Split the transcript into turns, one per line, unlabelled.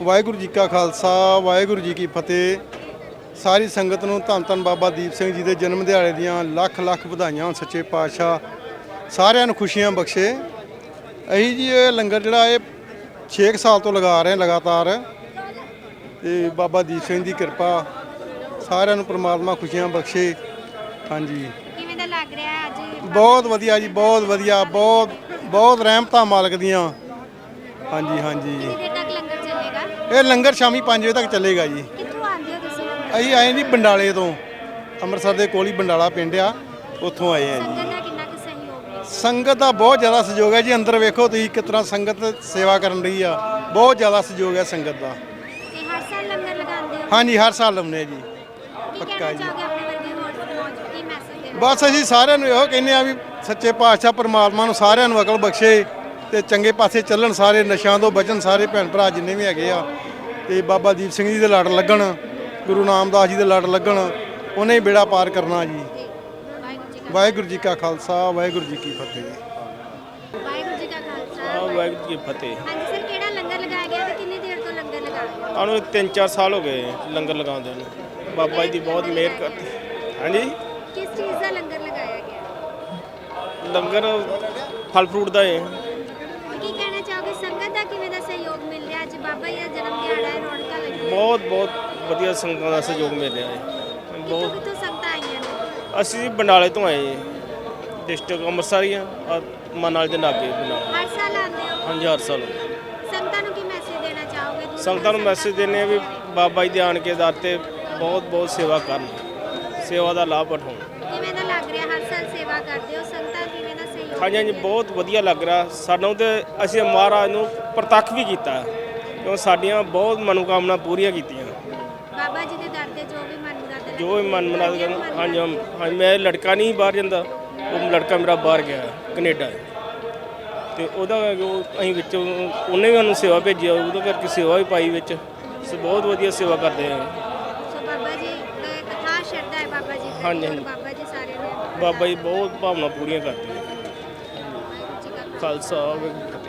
ਵਾਹਿਗੁਰੂ ਜੀ ਕਾ ਖਾਲਸਾ ਵਾਹਿਗੁਰੂ ਜੀ ਕੀ ਫਤਿਹ। ਸਾਰੀ ਸੰਗਤ ਨੂੰ ਧੰਨ ਧੰਨ ਬਾਬਾ ਦੀਪ ਸਿੰਘ ਜੀ ਦੇ ਜਨਮ ਦਿਹਾੜੇ ਦੀਆਂ ਲੱਖ ਲੱਖ ਵਧਾਈਆਂ ਹੋਣ। ਸੱਚੇ ਪਾਤਸ਼ਾਹ ਸਾਰਿਆਂ ਨੂੰ ਖੁਸ਼ੀਆਂ ਬਖਸ਼ੇ। ਅਸੀਂ ਜੀ ਇਹ ਲੰਗਰ ਜਿਹੜਾ ਇਹ 6 ਸਾਲ ਤੋਂ ਲਗਾ ਰਹੇ ਲਗਾਤਾਰ, ਤੇ ਬਾਬਾ ਦੀਪ ਸਿੰਘ ਦੀ ਕਿਰਪਾ ਸਾਰਿਆਂ ਨੂੰ ਪ੍ਰਮਾਤਮਾ ਖੁਸ਼ੀਆਂ ਬਖਸ਼ੇ। ਹਾਂਜੀ,
ਕਿਵੇਂ ਦਾ ਲੱਗ ਰਿਹਾ ਅੱਜ?
ਬਹੁਤ ਵਧੀਆ ਜੀ, ਬਹੁਤ ਵਧੀਆ, ਬਹੁਤ ਬਹੁਤ ਰਹਿਮਤਾਂ ਮਾਲਕ ਦੀਆਂ। ਹਾਂਜੀ ਹਾਂਜੀ,
ਕਿੰਨੀ ਦੇਰ ਤੱਕ ਲੰਗਰ ਚੱਲੇਗਾ?
ਇਹ ਲੰਗਰ ਸ਼ਾਮੀ 5 ਵਜੇ ਤੱਕ ਚੱਲੇਗਾ ਜੀ।
ਕਿੱਥੋਂ ਆਉਂਦੇ ਹੋ ਤੁਸੀਂ?
ਅਸੀਂ ਆਏ ਜੀ ਬੰਡਾਲੇ ਤੋਂ, ਅੰਮ੍ਰਿਤਸਰ ਦੇ ਕੋਲ ਹੀ ਬੰਡਾਲਾ ਪਿੰਡ ਆ, ਉੱਥੋਂ ਆਏ ਆ ਜੀ।
ਸੰਗਤ ਦਾ ਕਿੰਨਾ ਕੁ ਸਹਿਯੋਗ ਹੈ?
ਸੰਗਤ ਦਾ ਬਹੁਤ ਜ਼ਿਆਦਾ ਸਹਿਯੋਗ ਹੈ ਜੀ। ਅੰਦਰ ਵੇਖੋ ਤੁਸੀਂ ਕਿਸ ਤਰ੍ਹਾਂ ਸੰਗਤ ਸੇਵਾ ਕਰਨ ਰਹੀ ਆ, ਬਹੁਤ ਜ਼ਿਆਦਾ ਸਹਿਯੋਗ ਹੈ ਸੰਗਤ ਦਾ।
ਤੇ ਹਰ ਸਾਲ ਲੰਗਰ ਲਗਾਉਂਦੇ ਹੋ?
ਹਾਂਜੀ, ਹਰ ਸਾਲ ਲਾਉਂਦੇ ਜੀ।
ਕੀ
ਪੱਕਾ
ਕਹਿਣਾ
ਜੀ।
ਚਾਹੋਗੇ ਆਪਣੇ ਵਰਗੇ ਹੋਰ ਕੀ ਮੈਸੇਜ ਦੇਣਾ?
ਬਸ ਅਸੀਂ ਸਾਰਿਆਂ ਨੂੰ ਇਹੋ ਕਹਿੰਦੇ ਆ ਵੀ ਸੱਚੇ ਪਾਤਸ਼ਾਹ ਪਰਮਾਤਮਾ ਨੂੰ ਸਾਰਿਆਂ ਨੂੰ ਅਕਲ ਬਖਸ਼ੇ ਤੇ ਚੰਗੇ ਪਾਸੇ ਚੱਲਣ, ਸਾਰੇ ਨਸ਼ਿਆਂ ਤੋਂ ਬਚਣ, ਸਾਰੇ ਭੈਣ ਭਰਾ ਜਿੰਨੇ ਵੀ ਹੈਗੇ ਆ, ਤੇ ਬਾਬਾ ਦੀਪ ਸਿੰਘ ਜੀ ਦੇ ਲੜ ਲੱਗਣ, ਗੁਰੂ ਨਾਮਦਾਸ ਜੀ ਦੇ ਲੜ ਲੱਗਣ, ਉਹਨੇ ਹੀ ਬੇੜਾ ਪਾਰ ਕਰਨਾ ਜੀ। ਵਾਹਿਗੁਰੂ ਜੀ ਕਾ ਖਾਲਸਾ ਵਾਹਿਗੁਰੂ ਜੀ ਕੀ ਫਤਿਹ।
ਵਾਹਿਗੁਰੂ ਜੀ ਕਾ ਖਾਲਸਾ
ਵਾਹਿਗੁਰੂ ਜੀ ਕੀ ਫਤਿਹ।
ਹਾਂਜੀ ਸਰ, ਕਿਹੜਾ ਲੰਗਰ ਲਗਾਇਆ ਗਿਆ ਤੇ ਕਿੰਨੀ ਦੇਰ ਤੋਂ ਲੰਗਰ ਲਗਾ ਰਹੇ ਹੋ?
ਸਾਨੂੰ 3-4 ਸਾਲ ਹੋ ਗਏ ਲੰਗਰ ਲਗਾਉਂਦੇ ਨੂੰ। ਬਾਬਾ ਜੀ ਦੀ ਬਹੁਤ ਮਿਹਰ ਕਰਦੀ। ਹਾਂਜੀ,
ਕਿਸ ਚੀਜ਼ ਦਾ ਲੰਗਰ ਲਗਾਇਆ ਗਿਆ?
ਲੰਗਰ ਫਲ ਫਰੂਟ ਦਾ ਹੈ।
ਕੀ ਕਹਿਣਾ ਚਾਹੋਗੇ? ਸੰਗਤ ਦਾ ਕਿਵੇਂ ਦਾ ਸਹਿਯੋਗ ਮਿਲ ਰਿਹਾ? ਅੱਜ ਬਾਬਾ ਜੀ ਦਾ ਜਨਮ ਦਿਹਾੜਾ ਹੈ, ਰੌਣਕਾਂ ਲੱਗੀਆਂ।
ਬਹੁਤ ਬਹੁਤ ਵਧੀਆ ਸੰਗਤਾਂ ਦਾ ਸਹਿਯੋਗ ਮਿਲ ਰਿਹਾ ਹੈ।
ਕਿੱਥੋਂ
ਬਹੁਤ।
ਕਿੱਥੋਂ ਸੰਗਤਾਂ ਆਈਆਂ ਨੇ?
ਅਸੀਂ ਬੰਡਾਲੇ ਤੋਂ ਆਏ ਜੀ, ਡਿਸਟ੍ਰਿਕਟ ਅੰਮ੍ਰਿਤਸਰ ਹੀ ਆ, ਔਰ ਮਨਾਲ ਦੇ ਲਾਗੇ ਬੰਡਾਲਾ।
ਹਰ ਸਾਲ ਆਉਂਦੇ ਹੋ?
ਹਾਂਜੀ, ਹਰ ਸਾਲ।
ਸੰਗਤਾਂ ਨੂੰ ਕੀ ਮੈਸੇਜ ਦੇਣਾ ਚਾਹੋਗੇ? ਦੂਰ
ਸੰਗਤਾਂ ਨੂੰ ਮੈਸੇਜ ਦਿੰਦੇ ਆ ਵੀ ਬਾਬਾ ਜੀ ਦੇ ਆਣ ਕੇ ਦਰ ਤੇ ਬਹੁਤ ਬਹੁਤ ਸੇਵਾ ਕਰਨ, ਸੇਵਾ ਦਾ ਲਾਭ ਉਠਾਉਣ।
ਕਿਵੇਂ ਦਾ ਲੱਗ ਰਿਹਾ? ਹਰ ਸਾਲ ਸੇਵਾ ਕਰਦੇ ਹੋ, ਸੰਗਤਾਂ ਕਿਵੇਂ ਦਾ ਸਹਿਯੋਗ?
ਹਾਂਜੀ ਹਾਂਜੀ, ਬਹੁਤ ਵਧੀਆ ਲੱਗ ਰਿਹਾ ਸਾਨੂੰ। ਤੇ ਅਸੀਂ ਮਹਾਰਾਜ ਨੂੰ ਪ੍ਰਤੱਖ ਵੀ ਕੀਤਾ, ਕਿਉਂ ਸਾਡੀਆਂ ਬਹੁਤ ਮਨੋਕਾਮਨਾ ਪੂਰੀਆਂ ਕੀਤੀਆਂ।
ਬਾਬਾ ਜੀ ਦੇ ਦਰ ਤੇ ਜੋ ਵੀ ਮਨ ਮੁਰਾਦ
ਜੋ ਵੀ ਮਨ ਮੁਰਾਦ ਕਰਨ। ਹਾਂਜੀ ਹਾਂਜੀ, ਮੈਂ ਲੜਕਾ ਨਹੀਂ ਬਾਹਰ ਜਾਂਦਾ, ਉਹ ਲੜਕਾ ਮੇਰਾ ਬਾਹਰ ਗਿਆ ਕੈਨੇਡਾ, ਤੇ ਉਹਦਾ ਅਸੀਂ ਵਿੱਚ ਉਹਨੇ ਵੀ ਸਾਨੂੰ ਸੇਵਾ ਭੇਜੀ, ਉਹਦੇ ਕਰਕੇ ਸੇਵਾ ਵੀ ਪਾਈ ਵਿੱਚ। ਬਹੁਤ ਵਧੀਆ ਸੇਵਾ ਕਰਦੇ ਆ।
ਸੋ ਬਾਬਾ ਜੀ ਕਥਾ ਸ਼ਰਧਾ ਹੈ ਬਾਬਾ ਜੀ ਦੀ।
ਹਾਂਜੀ, ਹਾਂਜੀ।
ਬਾਬਾ ਜੀ ਸਾਰੇ ਨੇ
ਬਾਬਾ ਜੀ ਬਹੁਤ ਭਾਵਨਾ ਪੂਰੀਆਂ ਕਰਦੇ ਆ।
ਵਾਹਿਗੁਰੂ ਜੀ ਕਾ ਖਾਲਸਾ।
ਖਾਲਸਾ।